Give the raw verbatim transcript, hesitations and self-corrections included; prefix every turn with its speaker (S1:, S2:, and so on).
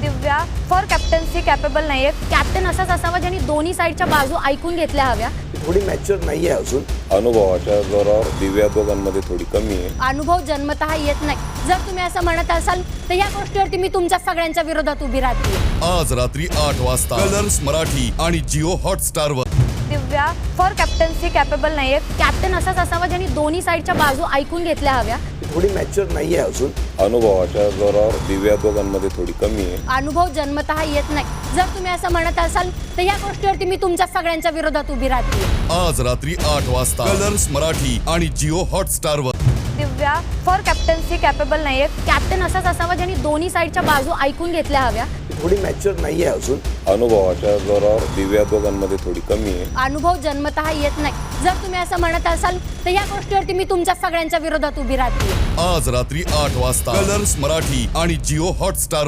S1: Divya for captaincy capable नाहीये.
S2: Captain असाच असावा ज्यांनी दोन्ही साईडच्या बाजू ऐकून घेतल्या हव्या.
S3: थोडी मॅच्युअर नाही आहे अजून.
S4: अनुभवाच्या जोरावर दिव्या दोघांमध्ये थोडी कमी आहे.
S2: अनुभव जन्मतः येत नाही. जर तुम्ही असं म्हणत असाल तर या गोष्टीवरती मी तुमच्या सगळ्यांच्या विरोधात उभी राहते.
S5: आज रात्री आठ वाजता कलर्स मराठी आणि जिओ हॉटस्टार वर.
S1: दिव्या फॉर कॅप्टन्सी कॅपेबल नाहीये.
S2: कॅप्टन असाच असावा ज्यांनी दोन्ही साईडच्या बाजू ऐकून घेतल्या हव्या.
S3: थोडी मॅच्युअर नाही आहे अजून.
S4: अनुभवाच्या जोरावर दिव्या दोघांमध्ये थोडी कमी आहे.
S2: अनुभव जन्मतः येत नाही. जर तुम्ही असं म्हणत असाल तर या गोष्टीवरती मी तुमच्या सगळ्यांच्या विरोधात उभी राहते.
S5: आज रात्री आठ वाजता कलर्स मराठी आणि जिओ हॉटस्टार वर.
S1: दिव्या फॉर कॅप्टन्सी कॅपेबल नाहीये.
S2: कॅप्टन असाच असावा ज्यांनी दोन्ही साईडच्या बाजू ऐकून घेतल्या हव्या.
S3: थोडी मॅच्युअर नाही आहे अजून.
S4: अनुभवाच्या जोरावर दिव्या दोघांमध्ये थोडी कमी आहे.
S2: अनुभव जन्मतः येत नाही. जर तुम्ही असं म्हणत असाल तर या गोष्टीवरती मी तुमच्या सगळ्यांच्या विरोधात उभी राहते.
S5: आज रात्री आठ वाजता कलर्स मराठी आणि जिओ हॉटस्टार.